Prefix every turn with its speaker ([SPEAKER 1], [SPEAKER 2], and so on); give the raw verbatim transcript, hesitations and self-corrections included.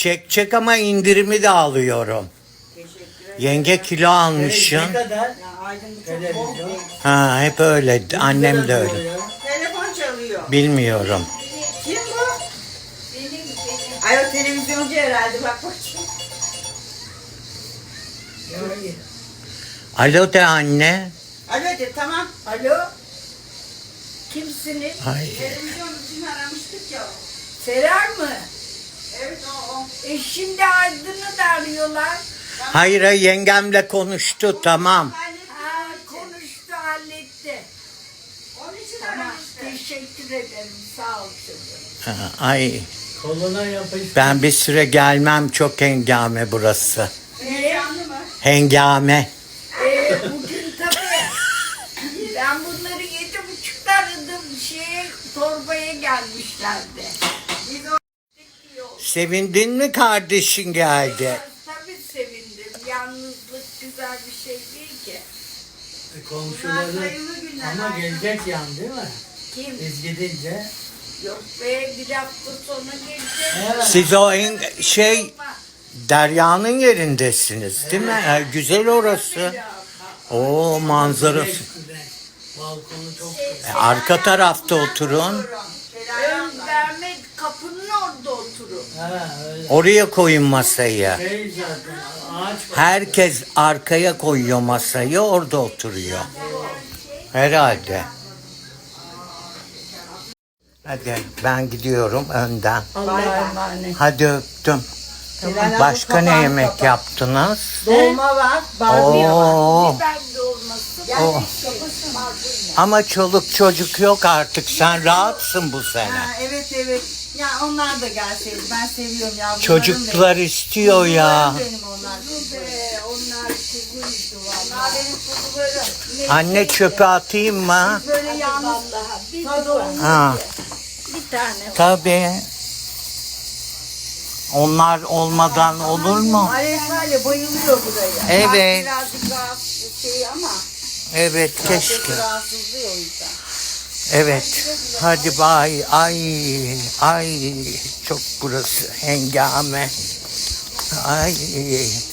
[SPEAKER 1] Çek çek ama indirimi de alıyorum. Yenge kilo almışsın.
[SPEAKER 2] Ne kadar?
[SPEAKER 3] Ya Aydın bu çok bol
[SPEAKER 2] Televizyon.
[SPEAKER 3] değil.
[SPEAKER 1] Ha hep öyle. Annem de öyle.
[SPEAKER 3] Telefon çalıyor.
[SPEAKER 1] Bilmiyorum.
[SPEAKER 3] Kim bu? Benim, benim. Ay o televizyoncu herhalde bak bakayım.
[SPEAKER 1] Alo de anne.
[SPEAKER 3] Alo de tamam.
[SPEAKER 4] Alo? Kimsiniz?
[SPEAKER 1] Ay.
[SPEAKER 3] Televizyoncu için aramıştık ya.
[SPEAKER 4] Serar mı?
[SPEAKER 3] Evet o o.
[SPEAKER 4] E şimdi Aydın'ı da arıyorlar.
[SPEAKER 1] Hayır hayır, yengemle konuştu tamam.
[SPEAKER 4] Ha, konuştu, halletti.
[SPEAKER 3] Onun için
[SPEAKER 4] Tamam,
[SPEAKER 3] aramıştık.
[SPEAKER 4] teşekkür ederim. Sağ ol çocuğum.
[SPEAKER 1] Ha, ay
[SPEAKER 2] Koluna yapış.
[SPEAKER 1] ben bir süre gelmem, çok hengame burası.
[SPEAKER 3] Heyecanlı mı?
[SPEAKER 1] Hengame.
[SPEAKER 4] Ee, bugün tabii ben bunları yedi buçukta aradım. Şeye, torbaya gelmişlerdi.
[SPEAKER 3] Biz o
[SPEAKER 1] Sevindin mi kardeşin geldi?
[SPEAKER 4] Tabii sevindim. Yalnızlık güzel bir şey değil ki.
[SPEAKER 3] bunlar
[SPEAKER 2] Komşuları
[SPEAKER 3] sayılı günler.
[SPEAKER 2] ama gelecek yan değil mi?
[SPEAKER 4] Kim?
[SPEAKER 2] Biz gidince.
[SPEAKER 4] Yok be, bir hafta sonra gelecek.
[SPEAKER 2] Evet.
[SPEAKER 1] Siz o en, şey Derya'nın yerindesiniz değil mi? Ha, güzel orası. O manzarası.
[SPEAKER 2] Güzel, güzel. Balkonu çok güzel.
[SPEAKER 1] E, arka tarafta oturun.
[SPEAKER 4] Ön verme, kapının orada oturun.
[SPEAKER 2] Ha öyle.
[SPEAKER 1] Oraya koyun masayı.
[SPEAKER 2] Şey zaten ağaç var.
[SPEAKER 1] Herkes arkaya koyuyor masayı, orada oturuyor. Herhalde. Hadi ben gidiyorum önden.
[SPEAKER 4] Allah'a emanet.
[SPEAKER 1] Hadi öptüm. Başka ne yemek yaptınız?
[SPEAKER 3] Dolma var, barbunya var.
[SPEAKER 1] Oo.
[SPEAKER 4] Biber de olmasın.
[SPEAKER 1] Oh. Ama çoluk çocuk yok artık. Sen rahatsın bu sene.
[SPEAKER 3] Ha, evet evet. Ya onlar da gelseydi. Ben seviyorum yavrularım.
[SPEAKER 1] Çocuklar istiyor ya.
[SPEAKER 3] Benim onlar.
[SPEAKER 4] Be, onlar kuzuydu valla.
[SPEAKER 3] Onlar benim kuzularım.
[SPEAKER 1] Anne çöpe atayım mı?
[SPEAKER 3] Böyle yalnız
[SPEAKER 4] Vallahi bir,
[SPEAKER 3] tadı olmuş.
[SPEAKER 1] Ha,
[SPEAKER 4] bir tane.
[SPEAKER 1] tabii. Onlar olmadan olur mu?
[SPEAKER 3] Alev var ya bayılıyor buraya.
[SPEAKER 1] Evet.
[SPEAKER 3] Birazcık rahatsız şey ama.
[SPEAKER 1] Evet keşke.
[SPEAKER 3] Rahatsızlıyor o yüzden.
[SPEAKER 1] Evet. Hadi bay. Ay. Ay. Çok burası hengame. Ay.